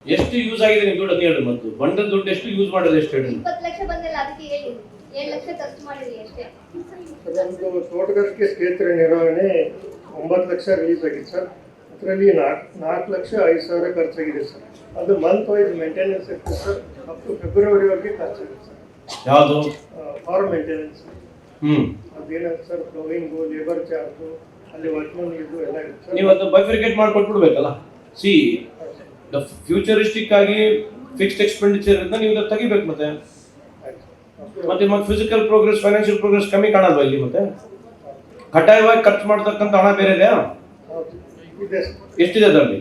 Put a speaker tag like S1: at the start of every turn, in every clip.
S1: ಎಷ್ಟು ಯೂಸ್ ಆಗಿದೆ ನಿಮ್ಮ ದುಡ್ಡು ಹೇಳಿ, ಮತ್ತು ಬಂಡದ ದುಡ್ಡು ಎಷ್ಟು ಯೂಸ್ ಮಾಡಿದ್ರೆ ಎಷ್ಟು ಹೇಳಿ?
S2: 20 ಲಕ್ಷ ಬಂದಿಲ್ಲ, ಅದಕ್ಕೆ ಹೇಳಿ 7 ಲಕ್ಷ ಖರ್ಚು ಮಾಡಿದ್ರಿ ಅಷ್ಟೇ.
S3: ನಮ್ಮದು ತೋಟಗಾರಿಕೆ ಕ್ಷೇತ್ರ ನಿರ್ವಹಣೆ 9 ಲಕ್ಷ ರಿಲೀಸ್ ಆಗಿದೆ ಸರ್. ಅದರಲ್ಲಿ 4 ಲಕ್ಷ 5 ಸಾವಿರ ಖರ್ಚಾಗಿದೆ ಸರ್. ಅದು ಮಂತ್ ವೈಸ್ ಮೇಂಟೆನೆನ್ಸ್ ಇರ್ತದೆ ಸರ್. ಅಪ್ ಟು ಫೆಬ್ರವರಿವರೆಗೆ ಖರ್ಚಾಗಿದೆ ಸರ್.
S1: ಯಾವುದು?
S3: Farm maintenance. ಅದೇನಾಗುತ್ತೆ ಸರ್, ಫ್ಲೋವಿಂಗು, ಲೇಬರ್ ಚಾರ್ಜು, ಅಲ್ಲಿ ವರ್ಕ್ಮನ್ ಇದು ಎಲ್ಲ ಇರುತ್ತೆ ಸರ್.
S1: ನೀವು ಅದನ್ನ ಬೈಫಿಕೇಟ್ ಮಾಡ್ಕೊಟ್ಬಿಡ್ಬೇಕಲ್ಲ. ಸಿ ದ ಫ್ಯೂಚರಿಸ್ಟಿಕ್ ಆಗಿ ಫಿಕ್ಸ್ಡ್ ಎಕ್ಸ್ಪೆಂಡಿಚರ್ ಇಂದ ನೀವು ಅದನ್ನ ತೆಗಿಬೇಕು. ಮತ್ತೆ ಮತ್ತೆ ಫಿಸಿಕಲ್ ಪ್ರೋಗ್ರೆಸ್, ಫೈನಾನ್ಷಿಯಲ್ ಪ್ರೋಗ್ರೆಸ್ ಕಮ್ಮಿ ಕಾಣಲ್ವಾ ಇಲ್ಲಿ? ಮತ್ತೆ ಕಡ್ಡಾಯವಾಗಿ ಖರ್ಚು ಮಾಡ್ತಕ್ಕಂಥ ಹಣ ಬೇರೆ ಇದೆಯಾ?
S3: ಇದೆ ಸರ್.
S1: ಎಷ್ಟಿದೆ ಅದರಲ್ಲಿ?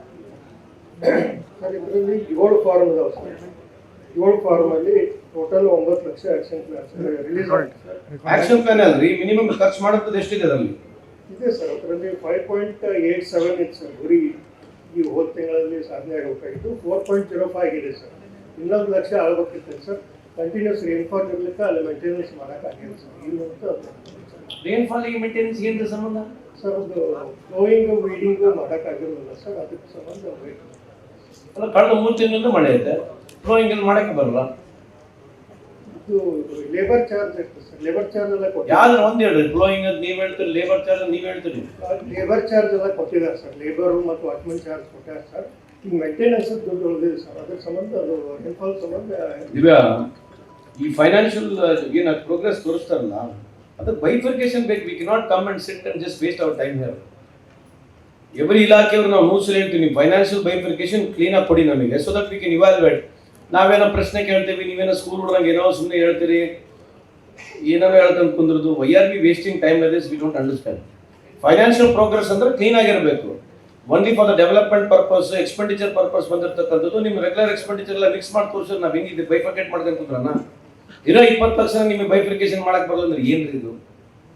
S3: ಸರ್ ಇದರಲ್ಲಿ 7 ಫಾರ್ಮ್ ಇದಾವೆ ಸರ್. 7 ಫಾರ್ಮ್ ಅಲ್ಲಿ total 9 lakh action plan release ಆಗಿದೆ.
S1: ಆಕ್ಷನ್ ಪ್ಲಾನ್ ಅಲ್ರಿ, ಮಿನಿಮಮ್ ಖರ್ಚು ಮಾಡುತ್ತದೆ ಎಷ್ಟಿದೆ ಅದರಲ್ಲಿ?
S3: ಇದೆ ಸರ್. ಅದರಲ್ಲಿ 5.87 ಇತ್ತು ಸರ್. ಗುರಿ ಈ ಹೋದ ತಿಂಗಳಲ್ಲಿ ಸಾಧನೆ ಆಗಬೇಕಾಗಿತ್ತು. 4.05 ಆಗಿದೆ ಸರ್. 11 ಲಕ್ಷ ಆಗಬೇಕಿತ್ತು ಸರ್. ಕಂಟಿನ್ಯೂಸ್ ರೇನ್ಫಾಲ್ ಇರ್ಲಿಕ್ಕೆ ಅಲ್ಲಿ ಮೇಂಟೆನೆನ್ಸ್ ಮಾಡೋಕ್ಕಾಗಿಲ್ಲ ಸರ್. ಇಲ್ಲಿ
S1: ರೇನ್ಫಾಲ್ ಮೇಂಟೆನೆನ್ಸ್ ಏನು ಸಂಬಂಧ
S3: ಸರ್? ಅದು ಫ್ಲೋಯಿಂಗು ವೀಡಿಂಗು ಮಾಡೋಕ್ಕಾಗಿರೋದಿಲ್ಲ ಸರ್. ಅದಕ್ಕೆ ಸಂಬಂಧ
S1: ಅಲ್ಲ, ಕಳೆದ 3 ತಿಂಗಳಿಂದ ಮಳೆ ಐತೆ, ಫ್ಲೋಯಿಂಗ್ ಅಲ್ಲಿ ಮಾಡಕ್ಕೆ ಬರಲ್ಲ.
S3: ಇದು ಲೇಬರ್ ಚಾರ್ಜ್ ಇರ್ತದೆ ಸರ್. ಲೇಬರ್ ಚಾರ್ಜ್ ಎಲ್ಲ
S1: ಯಾವ್ದು ಒಂದು ಹೇಳ್ರಿ. ಫ್ಲೋಯಿಂಗ್ ಅಂತ ನೀವು ಹೇಳ್ತೀರಿ, ಲೇಬರ್ ಚಾರ್ಜ್ ನೀವು ಹೇಳ್ತೀರಿ.
S3: ಲೇಬರ್ ಚಾರ್ಜ್ ಎಲ್ಲ ಕೊಟ್ಟಿದ್ದಾರೆ ಸರ್. ಲೇಬರು ಮತ್ತು ವಾಚ್ಮನ್ ಚಾರ್ಜ್ ಕೊಟ್ಟಾರೆ ಸರ್. ಈಗ ಮೇಂಟೆನೆನ್ಸ್ ದುಡ್ಡು ಉಳಿದಿದೆ ಸರ್. ಅದ್ರ ಸಂಬಂಧ ಅದು ರೇನ್ಫಾಲ್ ಸಂಬಂಧ
S1: ದಿವ್ಯಾ, ಈ ಫೈನಾನ್ಷಿಯಲ್ ಏನು ಪ್ರೋಗ್ರೆಸ್ ತೋರಿಸ್ತಾರಲ್ಲ, ಅದು ಬೈಫರ್ಕೇಶನ್ ಬೇಕು. We cannot come and sit and just waste our time here. Every ಇಲಾಖೆಯವರು ನಾವು ಮೂಸಲಿ ಹೇಳ್ತೀವಿ, ನೀವು ಫೈನಾನ್ಷಿಯಲ್ ಬೈಫರ್ಕೇಶನ್ ಕ್ಲೀನಾಗಿ ಕೊಡಿ ನಮಗೆ, so that we can evaluate. ನಾವೇನೋ ಪ್ರಶ್ನೆ ಕೇಳ್ತೀವಿ, ನೀವೇನೋ ಸ್ಕೂಲ್ ಹುಡುಗಂಗೆ ಏನೋ ಸುಮ್ಮನೆ ಹೇಳ್ತೀರಿ, ಏನೋ ಹೇಳ್ಕೊಂಡು ಕುಂದ್ರದು. Why are we wasting time like this? We don't understand. Financial progress ಅಂದ್ರೆ ಕ್ಲೀನ್ ಆಗಿರಬೇಕು. Only for the development purpose, expenditure purpose ಬಂದಿರತಕ್ಕಂಥದ್ದು. ನಿಮ್ಮ ರೆಗ್ಯುಲರ್ ಎಕ್ಸ್ಪೆಂಡಿಚರ್ ಎಲ್ಲ ಮಿಕ್ಸ್ ಮಾಡಿ ತೋರಿಸೋದು ನಾವು ಹೆಂಗಿದೆ ಬೈಫರ್ಕೇಟ್ ಮಾಡ್ಕೊಂಡು ಕೂತ್ರನ? ಇರೋ 20 ಲಕ್ಷ ನಿಮಗೆ ಬೈಫರ್ಕೇಶನ್ ಮಾಡಕ್ಕೆ ಬರಲ್ಲ ಅಂದ್ರೆ ಏನ್ರಿ ಇದು?